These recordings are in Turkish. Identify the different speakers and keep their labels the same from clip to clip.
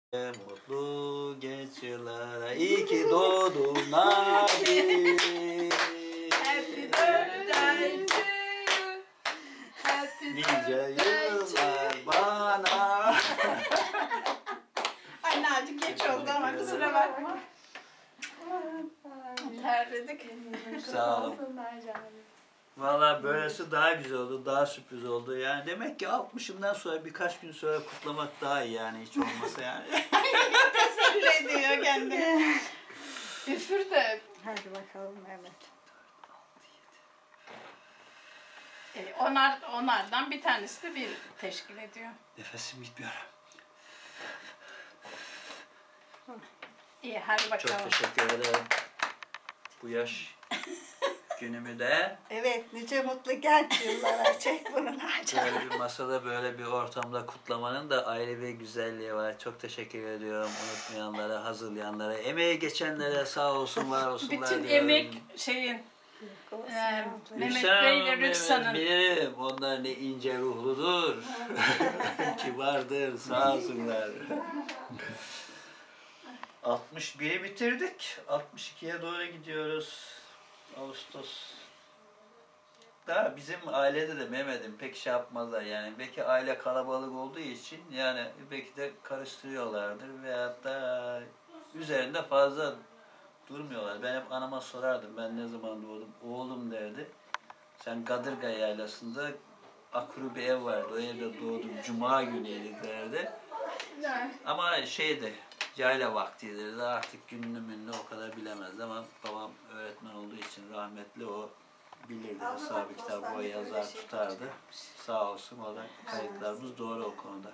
Speaker 1: Mutlu geç yıllara iyi ki doğdun abi.
Speaker 2: Happy birthday to you. Happy
Speaker 1: Nice
Speaker 2: birthday
Speaker 1: yıllar bana.
Speaker 2: Ay Naci geç oldu ama kusura bakma. Terledik.
Speaker 1: Sağ olun. Valla böylesi daha güzel oldu, daha sürpriz oldu. Yani demek ki 60'ından sonra birkaç gün sonra kutlamak daha iyi yani hiç olmasa yani.
Speaker 2: Teselli ediyor kendini. Üfür de.
Speaker 3: Hadi bakalım Mehmet.
Speaker 2: Onlardan bir tanesi de bir teşkil ediyor.
Speaker 1: Nefesim gitmiyor.
Speaker 2: İyi hadi bakalım.
Speaker 1: Çok teşekkür ederim. Bu yaş günümü de
Speaker 3: Evet, nice mutlu genç yıllara çek bunu Naci.
Speaker 1: böyle bir masada böyle bir ortamda kutlamanın da ayrı bir güzelliği var. Çok teşekkür ediyorum unutmayanlara, hazırlayanlara, emeği geçenlere sağ olsun, var olsunlar
Speaker 2: Bütün
Speaker 1: diyorum.
Speaker 2: emek şeyin Mehmet
Speaker 1: Rüksan
Speaker 2: Bey ile
Speaker 1: Hanım,
Speaker 2: Rüksan'ın.
Speaker 1: bilirim. Onlar ne ince ruhludur. Kibardır, sağ olsunlar. 61'i bitirdik. 62'ye doğru gidiyoruz. Ağustos. Daha bizim ailede de Mehmet'im pek şey yapmazlar yani. Belki aile kalabalık olduğu için yani belki de karıştırıyorlardır veyahut da üzerinde fazla durmuyorlar. Ben hep anama sorardım ben ne zaman doğdum. Oğlum derdi. Sen Kadırga Yaylası'nda akuru bir ev vardı. O evde doğdum. Cuma günüydü derdi. Ama şeydi, yayla vaktiydi. Artık gününü mününü o kadar bilemezdi ama babam öğretmen olduğu için rahmetli o bilirdi. Hesabı kitabı o yazar tutardı. Sağ olsun o da kayıtlarımız doğru o konuda.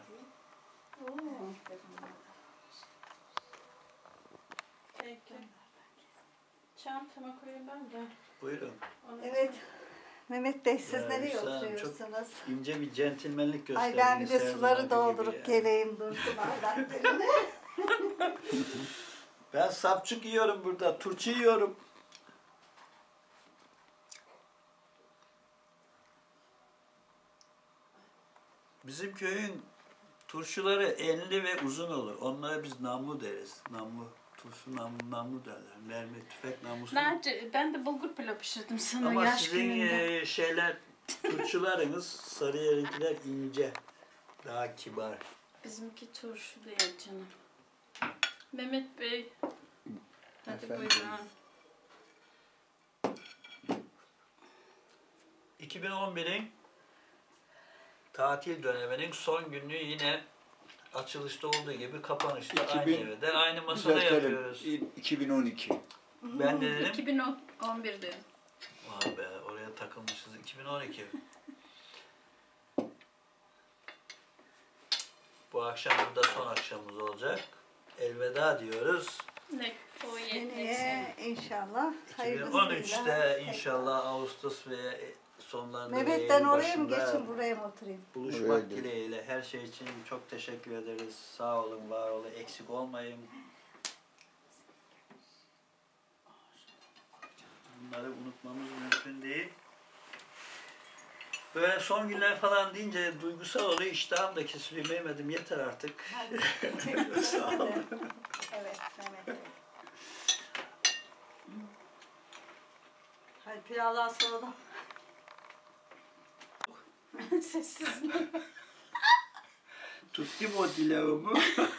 Speaker 2: Peki. Çantama koyayım ben de.
Speaker 1: Buyurun.
Speaker 3: Evet, Mehmet Bey siz
Speaker 1: Ya,
Speaker 3: nereye
Speaker 1: Rüksan Hanım,
Speaker 3: oturuyorsunuz?
Speaker 1: İnce bir centilmenlik gösterdiniz.
Speaker 3: Ay ben bir de
Speaker 1: her
Speaker 3: suları
Speaker 1: zamanki gibi
Speaker 3: doldurup
Speaker 1: yani.
Speaker 3: geleyim dursun bardaklarını.
Speaker 1: Ben sapçık yiyorum burada, turşu yiyorum. Bizim köyün turşuları enli ve uzun olur. Onlara biz namlu deriz. Namlu, turşu namlu derler. Mermi, tüfek namlusu.
Speaker 2: Naci ben de bulgur pilav pişirdim sana
Speaker 1: Ama
Speaker 2: yaş
Speaker 1: sizin
Speaker 2: gününde.
Speaker 1: şeyler, turşularınız, Sarıyer'inkiler ince, daha kibar.
Speaker 2: Bizimki turşu değil canım. Mehmet Bey. Hadi
Speaker 1: Efendim?
Speaker 2: buyurun.
Speaker 1: 2011'in tatil döneminin son günü yine açılışta olduğu gibi kapanışta aynı evde, aynı masada yapıyoruz.
Speaker 4: 2012.
Speaker 1: Ben de dedim,
Speaker 2: 2011 dedim.
Speaker 1: vay be oraya takılmışız, 2012. Bu akşam burada son akşamımız olacak. Elveda diyoruz.
Speaker 2: Ne o
Speaker 3: Seneye inşallah
Speaker 1: 2013'te inşallah Ağustos ve sonlarında
Speaker 3: Mehmet'ten
Speaker 1: ve
Speaker 3: oraya mı
Speaker 1: başında
Speaker 3: geçin buraya mı oturayım?
Speaker 1: buluşmak
Speaker 4: Oraya
Speaker 1: dileğiyle her şey için çok teşekkür ederiz. Sağ olun, var olun, eksik olmayın. Bunları unutmamız mümkün değil. Böyle son günler falan deyince duygusal oluyor, iştahım da kesiliyor. Mehmet'im yeter artık. Sağ olun.
Speaker 3: Evet Mehmet Bey. Hadi pilavdan sonra da.
Speaker 2: Sessiz.
Speaker 1: Tuttum o dilavımı.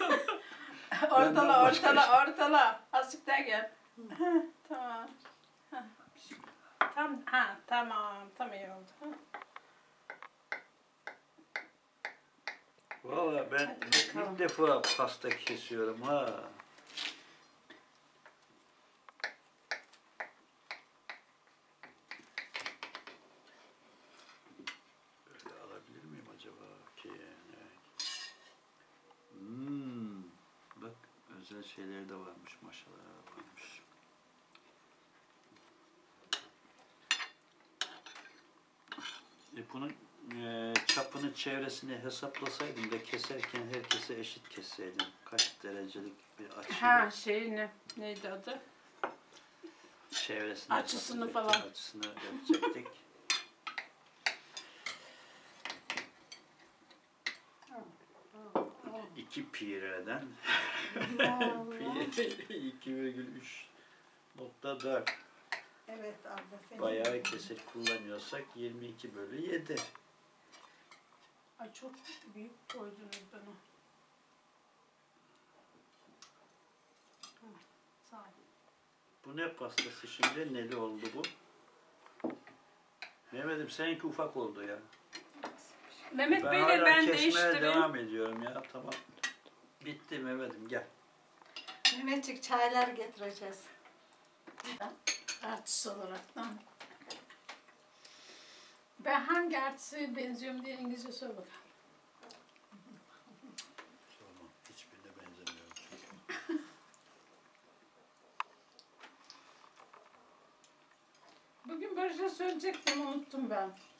Speaker 2: Ortala. Azıcık daha gel. Tamam. Tam iyi oldu.
Speaker 1: Valla ben ilk defa pasta kesiyorum ha. Böyle alabilir miyim acaba ki? Evet. Bak özel şeyleri de varmış, maşalar varmış. Bunun çapını, çevresini hesaplasaydım da keserken herkese eşit kesseydim. Kaç derecelik bir açı.
Speaker 2: Neydi adı?
Speaker 1: Çevresini
Speaker 2: Açısını
Speaker 1: hesaplayacaktık,
Speaker 2: falan.
Speaker 1: Açısını yapacaktık. 2 pireden
Speaker 3: Allah.
Speaker 1: 2,3.4
Speaker 3: Evet abla senin.
Speaker 1: bayağı kesik kullanıyorsak 22/7.
Speaker 2: Ay çok büyük koydunuz bana. Hı, sağ ol.
Speaker 1: Bu ne pastası şimdi? Neli oldu bu? Mehmet'im seninki ufak oldu ya.
Speaker 2: Mehmet
Speaker 1: Ben
Speaker 2: Bey'le
Speaker 1: hala
Speaker 2: ben
Speaker 1: kesmeye
Speaker 2: değiştireyim.
Speaker 1: devam ediyorum ya. Tamam. Bitti Mehmet'im gel.
Speaker 3: Mehmetçik çaylar getireceğiz.
Speaker 2: Artist olaraktan. Ben hangi artiste benziyorum diye İngilizce sor bakalım.
Speaker 1: Tamam. Hiçbirine benzemiyorum.
Speaker 2: Bugün Barış'a söyleyecektim unuttum ben.